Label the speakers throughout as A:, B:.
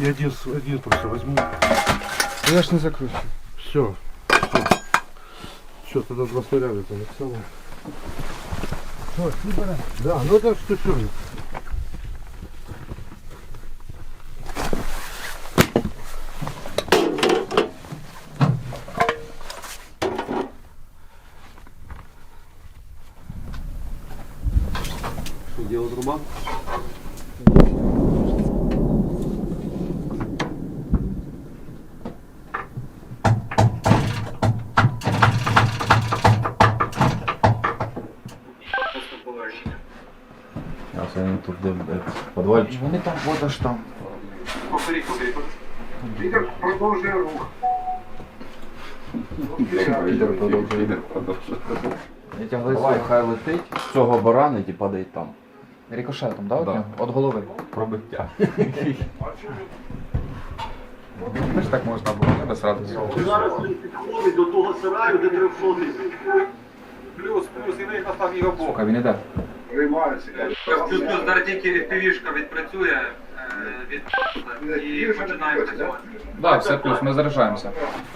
A: И один просто возьму.
B: Я ж не закручу.
A: Все. Все, тогда два снаряда это Александр. Да, ну это что все.
C: Что делать труба?
D: А це вони тут де подвальчик.
B: Вони там вода ж там.
A: Вітер продовжує рух.
D: Вітер продовжує. Давай, хай летить, цього баранить і падає там.
B: Рикошетом, да?
D: Да.
B: От голови.
D: Пробиття.
B: Теж так можна було, не без радості.
E: Зараз він підходить до того сараю, де 300 тисяч.
F: Плюс, і він настав його бок.
B: Сука, він іде.
A: Приймаються.
F: Плюс зараз тільки півішка відпрацює і починаємо працювати.
B: Да, все плюс, ми заряджаємося.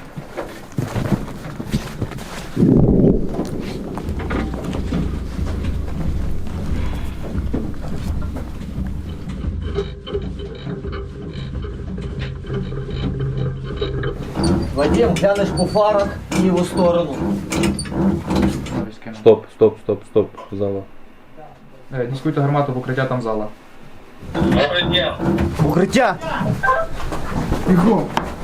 G: Вадим, глянеш по фарах в ліву сторону.
D: Стоп, зала.
B: Дискуйте гармату в укриття, там зала.
G: Укриття!
B: Бігом!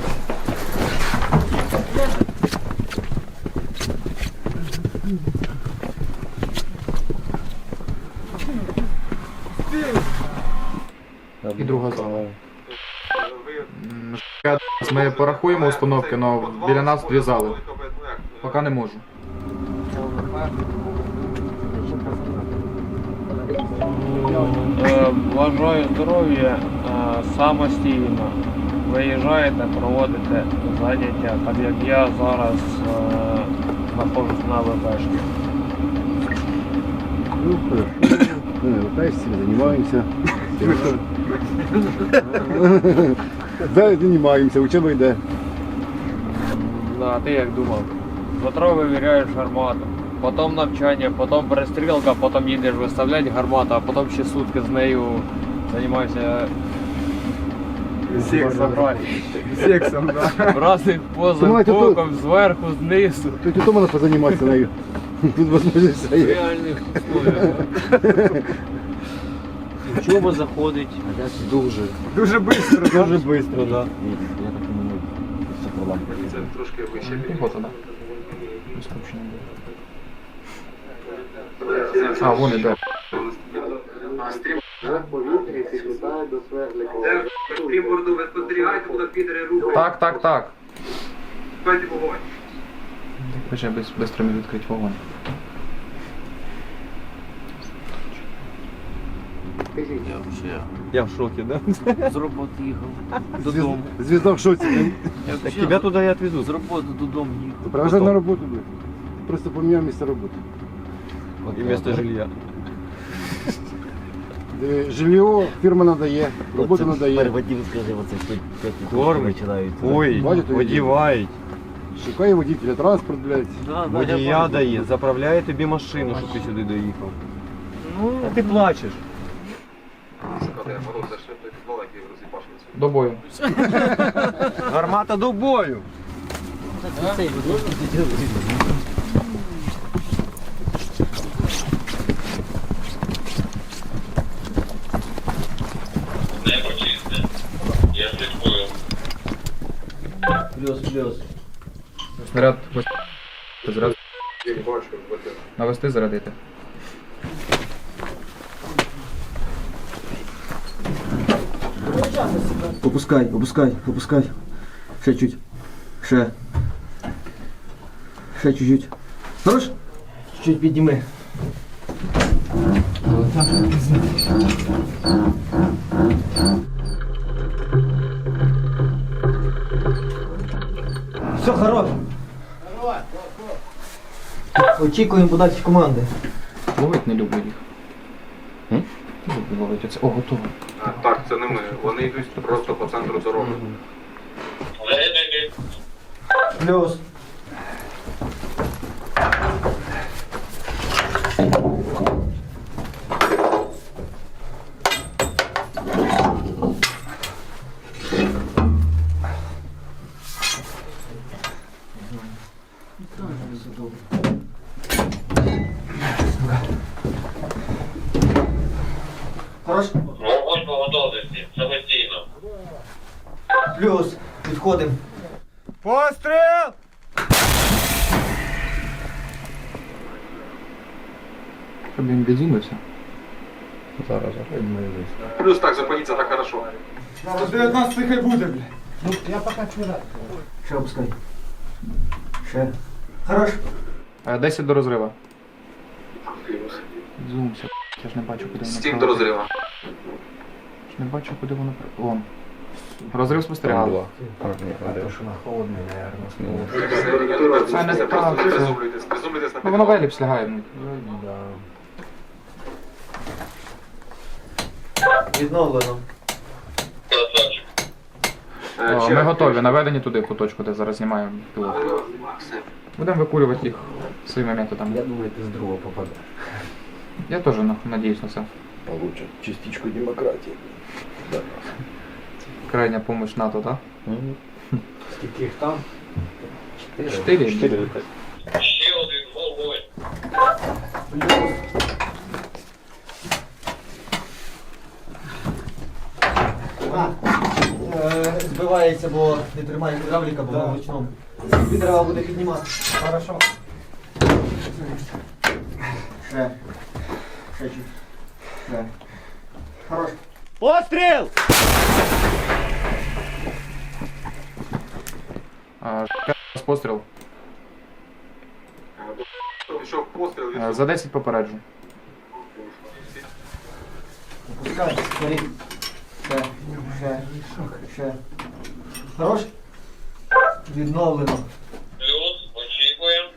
B: І друга зала. Ми порахуємо установки, але біля нас дві зали. Поки не можу.
H: Бажаю здоров'я самостійно. Виїжджаєте, проводите заняття, так як я зараз знаходжусь на ВПшці.
C: Ну, хорошо. Пытаешься, занимаемся. Да, занимаемся, учеба йде.
H: А ти як думав? Завтра вивіряєш гармату, потім навчання, потім перестрілка, потім їдеш виставляти гармату, а потім ще сутки з нею займаєшся
B: Сексом, да.
H: в разних позах,
C: Понимаете, тут-
H: боком, зверху, знизу.
C: Тут і то можна позаніматися нею. Тут возможность
H: В
C: все є.
H: реальних условиях.
G: Чого заходить?
B: Дуже швидко.
C: Дуже швидко, да.
F: Це трошки вище.
B: Піхота, да? Скручено буде. А, вон іде.
F: Стрімборду ви спостерігаєте, будуть підери рухати.
B: Так.
F: Дайте вогонь.
B: Хоча швидко мені відкрити вогонь.
G: Я в шокі, да? З роботи їхав. Додому.
C: Звізда в шоці.
G: Так тебе туди я відвезу. З роботи додому їхав.
C: Провожай на роботу, блядь. Просто поміняв місце роботи.
G: І місто жилья.
C: Жилье фірма надає, роботу надає.
G: Вадим, скажи, оце
H: Кормить.
G: починаються.
H: Ой,
C: Бачите,
H: одівають.
C: Шукає водителя, транспорт, блядь.
H: Водія дає, заправляє тобі машину, щоб ти сюди доїхав.
G: Ну, ти плачеш.
F: Шукати мороз за той підвал, який розіпашується.
B: До бою.
H: Гармата до бою!
G: Цей Плюс.
B: Снаряд. Заряд. Навести, зарядити.
G: Опускай. Ще чуть. Ще чуть-чуть. Хорош? Чуть підніми. Все, хорош. Очікуємо подачі команди.
B: Ловить не люблю їх. Люблю ловити оце. О, готово.
F: Так, це не ми. Вони йдуть просто по центру дороги.
G: Плюс. Хорош?
I: Вогонь по готовності, самостійно.
G: Плюс. Підходимо.
H: Постріл!
B: Щоб він відзумився.
F: Плюс так, зупиніться так хорошо.
G: Ще опускай. Ще. Хорош.
B: 10 до розрива. Зумся. Я ж не бачу, куди воно
F: 7 до розриву.
B: Не бачу, куди воно Вон. Розрив спостерігав. Це не так.
F: Призумлюйтесь, призумлюйтесь на
B: Ну воно в
F: підлогу.
B: еліпс лягає.
G: Відновлено.
I: Красавчик.
B: О, ми готові, наведені туди, в ту точку, де зараз знімаємо пілот. Будемо викурювати їх своїми методами.
C: Я думаю, ты с другого попадаешь.
B: Я теж надіюсь на це.
C: Получат частичку демократии. Да.
B: Крайня помощь НАТО, так?
C: Сколько их там?
B: 4.
I: Ще один вогонь.
G: Збивається, бо не тримає гідравліка, бо на ручному. Треба буде піднімати. Хорошо. Ще. Ще чуть. Ще. Хорош. Постріл!
B: Постріл.
F: Пішов постріл, він
B: За 10 попереджу.
G: Опускай, скорей. Ще. Ще. Ще. Хорош? Відновлено.
I: Плюс, очікуємо.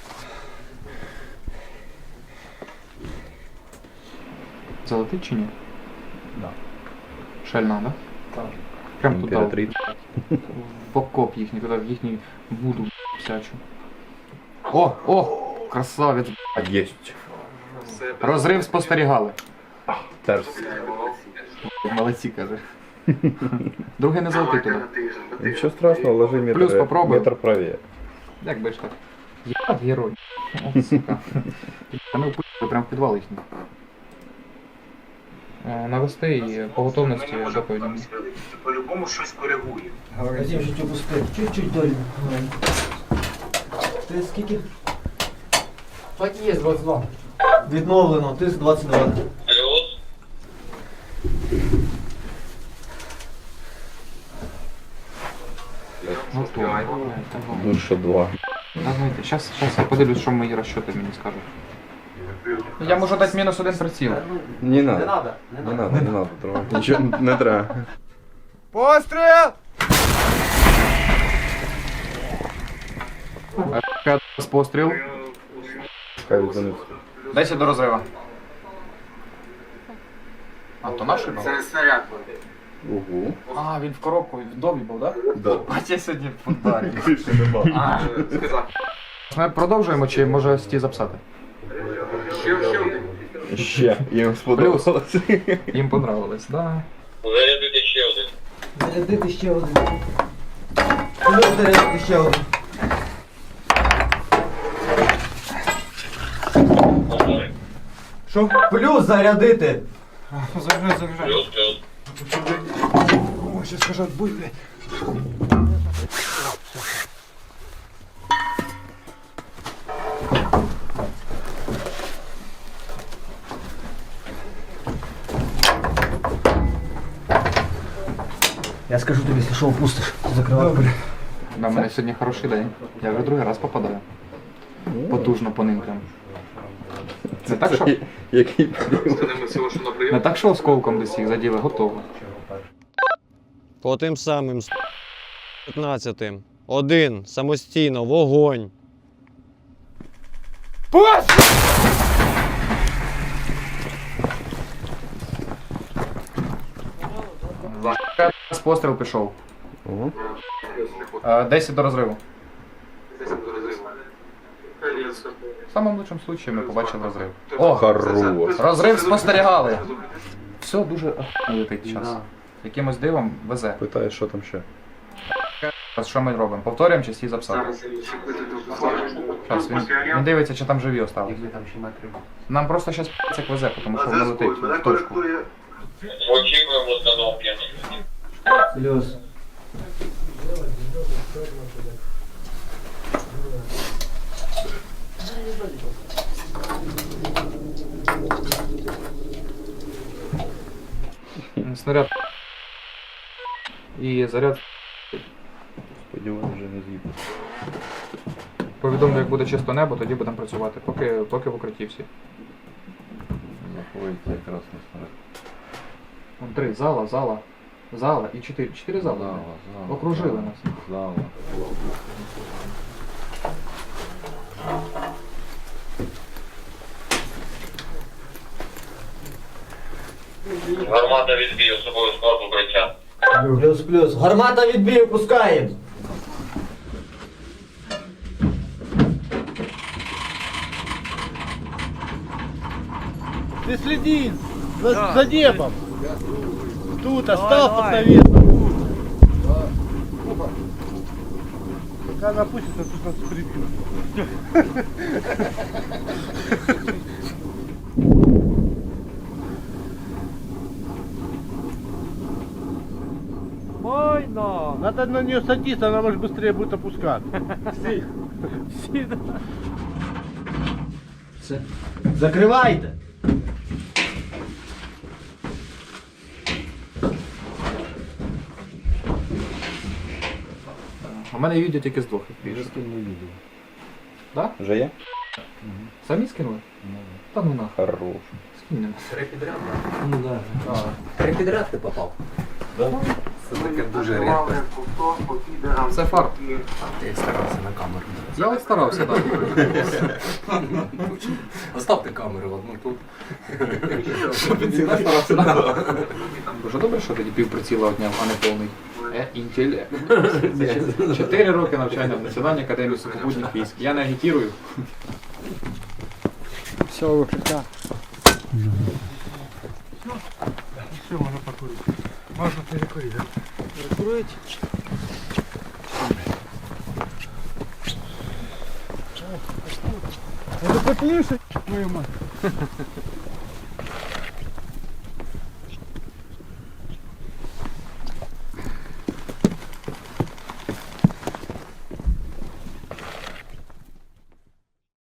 B: Залетить чи ні? Да. Шальна, да? Так. Прям туди. В окоп їхній, туди в їхній буду всячу. О! Красавець.
C: Есть.
F: все.
B: Розрив спостерігали.
C: Терс.
B: Молодці, каже. Другий не залетить туди.
C: Ничего страшного, ложи метр,
B: Плюс попробуй.
C: метр правее.
B: Як би ж так? Я герой. О, сука. Та ми впустили прямо в підвал їхній. Навести і по готовності доповіді.
E: По-любому щось коригує.
G: Вадим, чуть опусти. Чуть-чуть долі. Ти скільки?
H: Так є, 22.
G: Відновлено. Тиск 22.
I: Плюс.
B: Готово.
C: Лучше 2.
B: Давайте, сейчас я подивлюсь, що мої розчоти мені скажуть. Я можу дати мінус 1 приціл.
C: Не надо. Не надо. Трогать. Ничего не треба.
H: Постріл!
B: Постріл.
C: Хай занесу.
B: 10 до розрива. А, то наш був?
F: Це снаряд.
C: Угу.
B: А, він в коробку, в домі був, так?
C: Да.
B: Бать, я сьогодні в футболі.
C: Більше нема.
F: Сказав.
B: Ми продовжуємо чи може сті записати?
F: Ще один.
C: Ще. Їм сподобалось.
B: Їм понравилось, да.
I: Зарядити ще один.
G: Зарядити ще один. Плюс зарядити ще один.
I: Повтори.
G: Що? Плюс зарядити.
I: Плюс, плюс.
G: Я скажу тобі, якщо що опустиш, закривай двері.
B: У мене сьогодні хороший день. Я вже другий раз попадаю. Потужно по ним прям. Не так, що,
C: Який
F: Це не ми всього, що на
B: не
F: прийом.
B: так, що осколком десь їх заділи, готово.
J: По тим самим 15-м. Один. Самостійно. Вогонь.
B: З постріл пішов.
C: Ого.
B: 10 до розриву. В самому лучшому случаї ми побачили розрив. О,
C: Хорош.
B: розрив спостерігали. Все дуже летить час. Якимось дивом везе.
C: Питає, що там ще.
B: Що ми робимо? Повторюємо чи всі записали? Зараз він дивиться, чи там живі осталось. Нам просто зараз як везе, тому що воно летить в точку.
I: Очікуємо установки.
G: Плюс.
B: Снаряд. І заряд.
C: Сподіваюся, вже не з'їду.
B: Повідомлю, як буде чисто небо, тоді будемо працювати. Поки в укритті всі.
D: Заходиться якраз на снаряд.
B: Вон 3. Зала і 4. 4 зали.
D: Зала.
B: Окружили нас.
D: Зала.
I: Гармата відбій, особовий склад укриття.
G: Плюс. Гармата відбій, пускаємо.
A: Ты следи за небом. Тут остался под навесом. Пока она опустится, тут нас прибьют.
H: Майна!
A: Надо на нее садиться, она может быстрее будет опускаться.
G: Закривайте.
B: У мене відео тільки з двох більше. Да?
C: Вже є?
B: Самі скинули? Та ну нахуй.
C: Хорош.
B: Скинемо.
G: Три підряд ти попав.
B: Це фарт.
G: Ти старався на камеру.
B: Я от старався, так.
G: Оставте камеру одну тут.
B: Я старався, так. Дуже добре, що тоді півприціла одняв, а не повний. Інтелект. 4 роки навчання в Національній академії сухопутних військ. Я не агітірую.
H: Все, укриття.
A: Все, можно покурить. Можно перекурить, да?
H: Прикурить.
A: Это поплыше, твою мать.